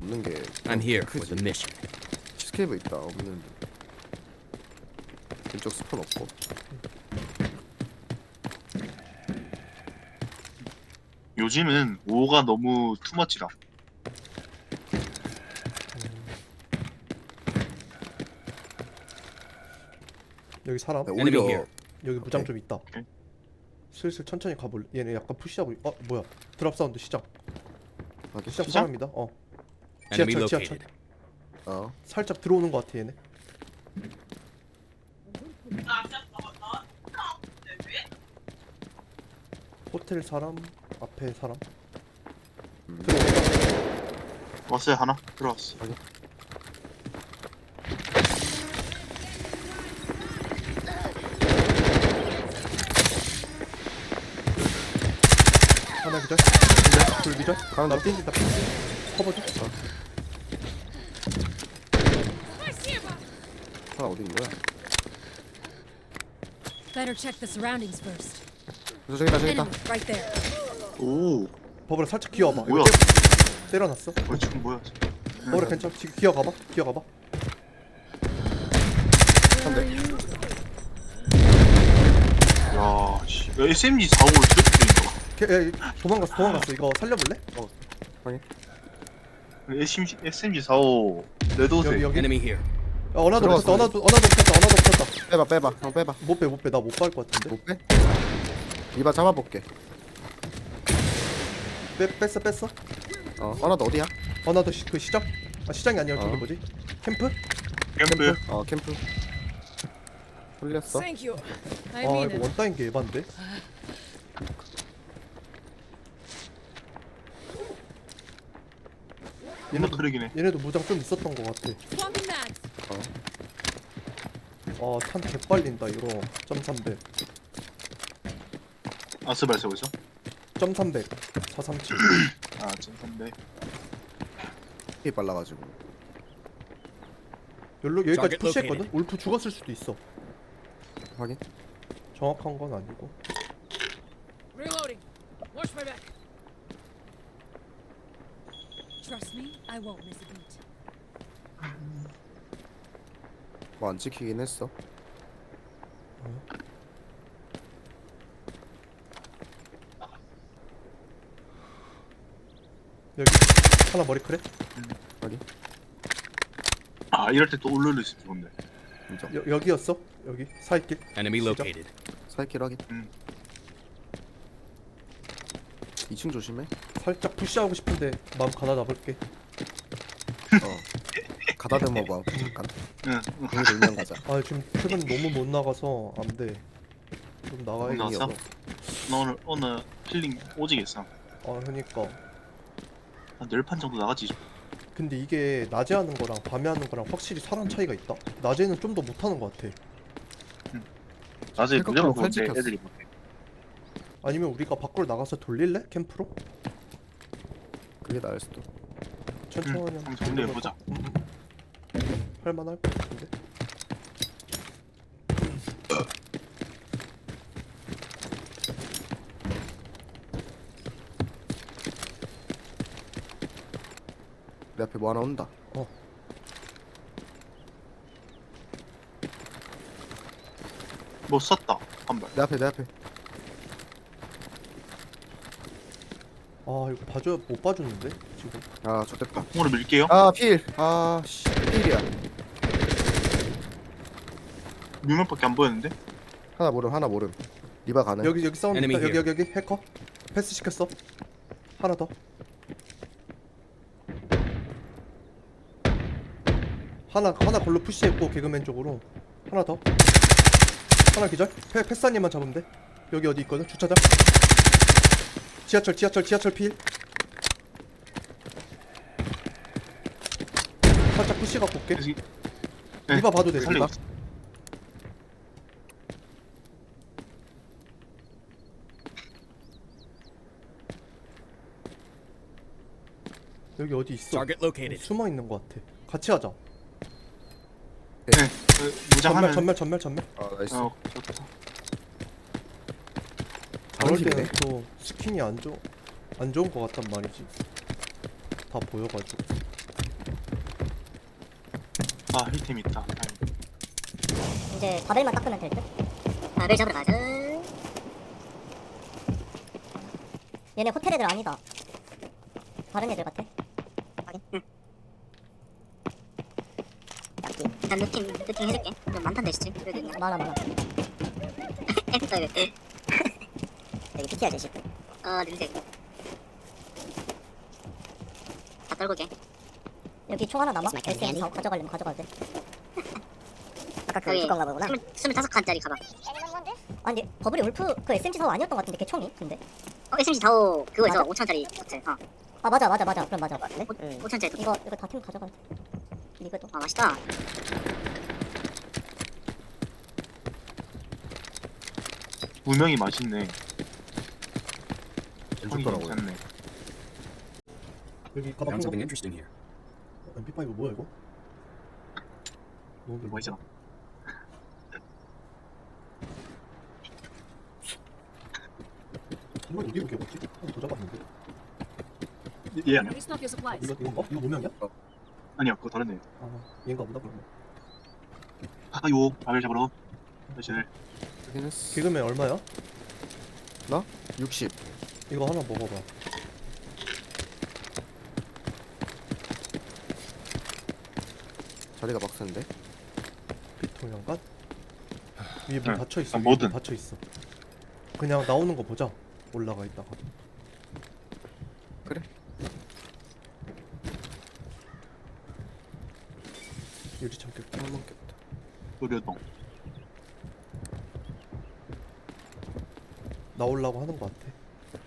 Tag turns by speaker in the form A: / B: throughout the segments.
A: 없는 게
B: I'm here for
A: 크지.
B: the mission.
A: 스케이브 있다 없는데. 왼쪽 스폰 없고.
C: 요즘은 5가 너무 투머치다.
D: 여기 사람.
A: 네,
B: Enemy
A: 오히려
B: here.
D: 여기 무장
A: 오케이.
D: 좀 있다.
C: 오케이.
D: 슬슬 천천히 가볼래. 얘네 약간 푸시하고. 뭐야? 드랍 사운드 시작.
A: 확인.
D: 시작
C: 시작?
D: 사람이다.
B: Enemy
D: 지하철.
B: located.
D: 살짝 들어오는 것 같아 얘네. 호텔 사람 앞에 사람. 들어오다.
C: 왔어요 하나? 들어왔어.
D: 하나 기절. 둘 기절.
A: 가운데.
D: 나 뛴다. 커버 좀.
A: 하나 어디 있는 거야?
E: Better check the surroundings first.
A: 저기다 저기다.
E: Enemy right there.
C: 오,
D: 버블아 살짝 기어봐.
C: 뭐야?
D: 때려놨어.
C: 지금 뭐야?
D: 버블아 괜찮아. 지금 기어가봐. 기어가봐.
C: 야, 씨. SMG 4호를 이렇게 뛴다.
D: 도망갔어. 이거 살려볼래?
C: SMG 4호 레드옷에
D: 여기.
B: Enemy here.
D: 어나도
A: 들어갔어.
D: 붙였다. 어나도 붙였다.
A: 빼봐. 형 빼봐.
D: 못 빼. 나 못 갈 것 같은데.
A: 못 빼? 이봐 잡아볼게.
D: 뺐어.
A: 하나 더 어디야?
D: 어나도 그 시작? 시장이 아니라 저기
A: 어.
D: 뭐지? 캠프?
C: 캠프.
A: 캠프. 홀렸어.
E: Thank you. I
D: 아
E: mean
D: 이거
E: it.
D: 원따인 게 에반데?
C: 얘는 그러기네.
D: 얘네도 무장 좀 있었던 것 같아.
E: Swapping mags.
D: 탄 개빨린다 이거. 점 300.
C: 아스발 쓰고 있어?
D: 점 300. 437.
C: 아, 진짠데.
A: 이 빨라가지고.
D: 여기까지
B: Target
D: 푸시했거든? 울프 죽었을 수도 있어.
A: 확인.
D: 정확한 건 아니고.
E: Reloading. Watch my back. Trust me, I won't miss a beat.
A: 뭐 안 찍히긴 했어.
D: 여기 하나 머리크래?
A: 확인.
C: 아, 이럴 때 또 울룰루 있으면 좋은데.
A: 인정.
D: 여기였어? 여기 사이길.
B: Enemy
D: 시작.
B: located.
A: 사이킬 확인. 2층 조심해.
D: 살짝 푸시하고 싶은데 마음 가다 잡을게.
A: 가다 대면 뭐 잠깐.
C: 응.
A: 공이 돌면 가자.
D: 지금 최근 너무 못 나가서 안 돼. 좀 나가야겠어.
C: 나왔어? 나 오늘 힐링 오지겠어.
D: 그니까.
C: 한 10판 정도 나가지.
D: 근데 이게 낮에 하는 거랑 밤에 하는 거랑 확실히 사람 차이가 있다. 낮에는 좀 더 못하는 것 같아.
C: 낮에 무조건
A: 생각보다
C: 보는데
A: 칼
C: 애들이 못해.
D: 아니면 우리가 밖으로 나가서 돌릴래? 캠프로?
A: 그게 나을 수도.
D: 천천히
C: 한번 정리해보자.
D: 할만할 것 같은데.
A: 내 앞에 뭐 하나 온다.
C: 뭐 썼다. 한 발.
A: 내 앞에.
D: 이거 봐줘야 못 봐주는데 지금.
A: 좋됐다.
C: 공으로 밀게요.
A: 필. 씨. 필이야.
C: 뮤명밖에 안 보였는데.
A: 하나 모름. 리바 가능.
D: 여기 사운드 있다.
B: Enemy
D: 여기 해커. 패스 시켰어. 하나 더. 하나 걸로 푸시했고 개그맨 쪽으로. 하나 더. 하나 기절. 패스님만 잡으면 돼. 여기 어디 있거든? 주차장. 지하철 필. 살짝 푸시 갖고 올게.
C: 여기-
D: 리바 봐도 돼.
C: 살리고
D: 리바.
C: 있어.
D: 여기 어디 있어?
B: Target located.
D: 숨어 있는 것 같아. 같이 하자.
C: 무장하면.
D: 전멸.
A: 나이스.
C: 좋다.
D: 저럴
A: 팀이네.
D: 때는 또 스킨이 안 좋은 것 같단 말이지. 다 보여가지고.
C: 아 힐템 있다.
F: 이제 바벨만 닦으면 될 듯? 바벨 잡으러 가자. 얘네 호텔 애들 아니다. 다른 애들 같아. 확인. 응. 일단 루팅 해줄게. 좀 많던데 시체. 많아. 여기 PT야 제시. 냄새. 다 떨고게. 여기 총 하나 남아? SM4 가져가려면 가져가도 돼. 아까 그 울프 건가 보구나. 25칸짜리 가방. 아니 버블이 울프 그 SMG4 아니었던 것 같은데 걔 총이 근데. SMG4 그거 있어. 5천짜리 호텔. 아 맞아. 그럼 맞아. 네? 5천짜리 이거 다 팀 가져가. 이거도. 아 맛있다.
C: 분명히 맛있네.
A: 왼쪽
C: 형이
A: 더라고요.
C: 괜찮네.
D: 여기 가방
B: Found
D: 큰
B: something
D: 거.
B: interesting here.
D: MP5 뭐야 이거? 너무
C: 뭐죠?
D: 이거 여기 이렇게 뭐지? 한번 더 잡았는데.
C: 얘 아니야?
E: Restock your supplies.
D: 이거 이거 노명이야?
C: 아니야 그거 다른 애.
D: 아 얘인가 보다 그러면.
C: 아요 밥을 잡으러. 사실
A: 확인했어.
D: 개그맨 얼마야?
A: 60.
D: 이거 하나 먹어봐.
A: 자리가 빡센데.
D: 비통연간? 위에 문
C: 응.
D: 닫혀 있어.
C: 아,
D: 위에
C: 뭐든.
D: 문 닫혀 있어. 그냥 나오는 거 보자. 올라가 있다가.
A: 그래.
D: 유리 참겠다.
A: 한 먹겠다.
C: 노려동.
D: 나오려고 하는 거 같아.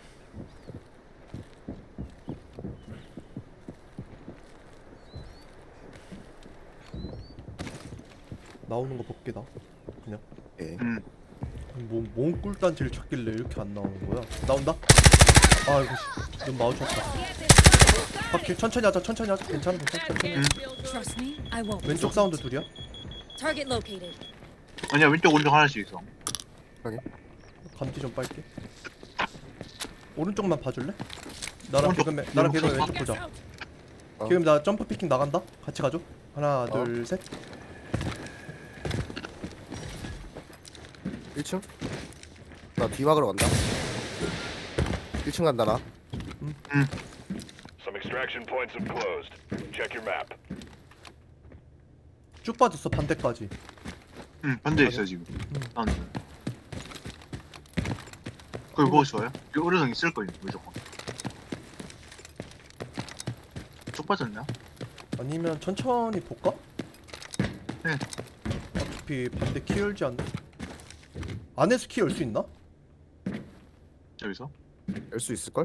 D: 나오는 거 볼게다. 그냥.
A: 예.
D: 뭔 꿀단지를 찾길래 이렇게 안 나오는 거야? 나온다? 아이고 씨. 눈 마우쳤다. 바퀴 천천히 하자. 괜찮아. 천천히.
E: Trust me, I won't.
D: 왼쪽 사운드 둘이야?
E: Target located.
C: 아니야 왼쪽 오른쪽 하나씩 있어.
D: 감지 좀 빨게. 오른쪽만 봐줄래? 나랑
C: 오른쪽.
D: 개그맨
C: 오른쪽.
D: 왼쪽
E: Get
D: 보자.
E: out.
D: 개그맨 나 점프 피킹 나간다. 같이 가줘. 하나 둘 셋.
A: 1층? 나 뒤막으로 간다. 1층 간다 나.
G: Some extraction points have closed. Check your map.
D: 쭉 빠졌어 반대까지.
C: 응 반대 있어 지금. 다운드. 그걸 보고 있어요? 그 오른쪽 있을 거예요 무조건. 쪽 빠졌냐?
D: 아니면 천천히 볼까?
C: 네.
D: 어차피 반대 키 열지 않나? 안에서 키 열 수 있나?
C: 여기서?
A: 열 수 있을걸?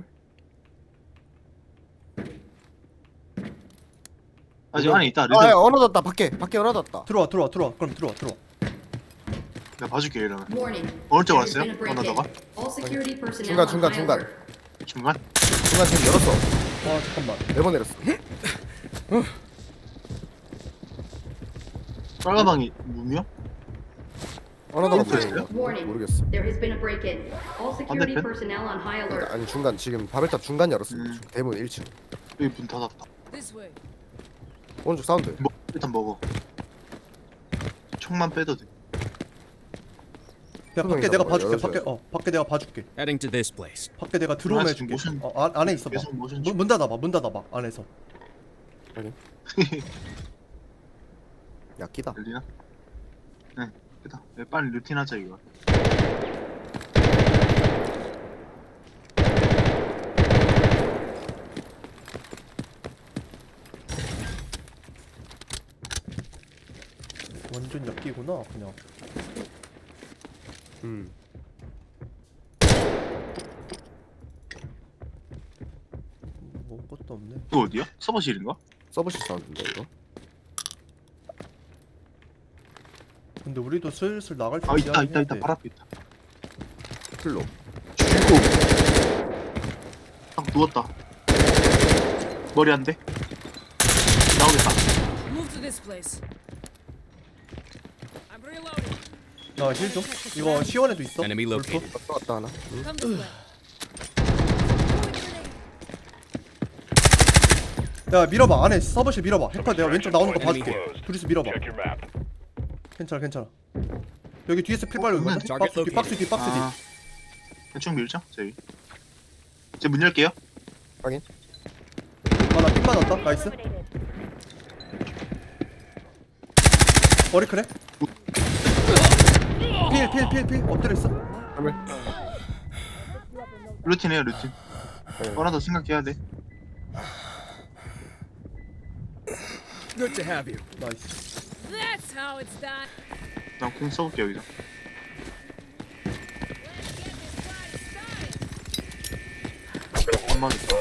C: 아직 안에 있다.
A: 아,
C: 르드.
A: 야, 언어 닫다. 밖에 언어 닫다.
D: 들어와. 그럼 들어와.
C: 내가 봐줄게 이러면.
H: Warning.
C: 오른쪽
H: There's
C: 왔어요?
H: been a break-in.
C: 언어다가?
H: All security personnel
A: 중간.
H: on high alert.
C: 중간?
A: 중간 지금 열었어.
D: 아 잠깐만.
A: 4번 내렸어.
C: 빨간 방이 문이요?
A: 언어 닫아
C: 됐어요?
H: Warning.
A: 모르겠어.
H: There has been a break-in. All security
C: 반대편?
H: personnel on high alert.
A: 아니 중간 지금 바벨탑 중간 열었어.
C: 음.
A: 대문 1층.
C: 여기 문 닫았다.
E: This way.
A: 오른쪽 사운드.
C: 일단 먹어. 총만 빼도 돼.
D: 야 밖에
A: 소정이다,
D: 내가
A: 뭐,
D: 봐줄게.
A: 열어줘요.
D: 밖에 내가 봐줄게.
B: Heading to this place.
D: 밖에 내가 들어오면
C: 아,
D: 해줄게.
C: 지금
D: 안에 있어봐.
C: 계속 모션
D: 문 닫아봐. 안에서.
A: 야 끼다.
C: 열리나? 네, 됐다. 빨리 루틴 하자 이거.
D: 완전 약기구나 그냥. 뭐 것도 없네.
C: 이거 어디야? 서버실인가?
A: 서브실 사운드인데 이거.
D: 근데 우리도 슬슬 나갈
C: 아 있다
D: 준비하긴 해야 돼.
C: 바로 앞에 있다.
A: 풀로.
C: 죽고. 딱 누웠다. 머리 안 돼? 나오겠다.
E: Move to this place. I'm reloading.
D: 나 힐 좀. 이거 시원에도 있어.
B: Enemy
D: 울프.
B: located.
A: 또 왔다 하나.
E: Come this way.
D: 야 밀어봐 안에 서버실 밀어봐. 해커 내가 왼쪽 나오는 거 봐줄게. 둘이서 밀어봐.
G: Check your map.
D: 괜찮아 괜찮아. 여기 뒤에서 필 빨고 있거든.
B: target
D: 박스 뒤 박스 뒤 박스 뒤.
C: 아, 대충 밀자 저희. 이제 문 열게요.
D: 아나 핀 맞았다. 나이스. 머리 크래? 필 엎드려 있어.
C: 루틴해요 루틴. 하나 더 생각해야 돼.
B: Good to have you.
D: 나이스.
E: That's how it's done.
C: 난공 써볼게 여기서. 안 맞았다.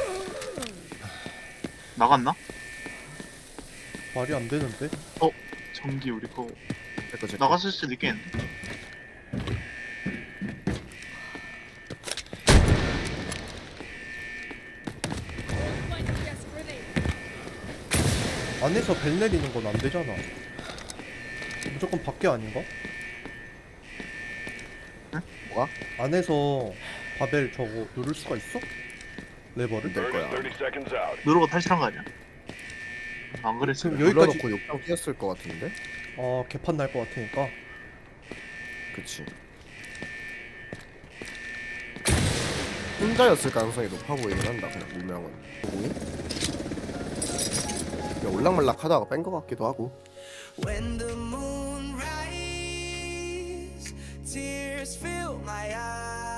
C: 나갔나?
D: 말이 안 되는데.
C: 전기 우리 거
A: 제거 제거.
C: 나갔을 수도 있겠는데.
E: Yes, grenade.
D: 안에서 벨 내리는 건 안 되잖아. 무조건 밖에 아닌가?
A: 뭐가?
D: 안에서 바벨 저거 누를 수가 있어? 레버를?
A: 될 거야.
G: 30 seconds out.
C: 누르고 탈출한 거 아니야? 안 그랬어.
D: 그럼 여기까지
A: 눌러놓고 욕탕 뛰었을 것 같은데?
D: 개판 날 것 같으니까.
A: 그치. 혼자였을 가능성이 높아 보이긴 한다. 그냥 물명은. 공이? 그냥 올락말락 하다가 뺀 것 같기도 하고.
I: When the moon rises, tears fill my eyes.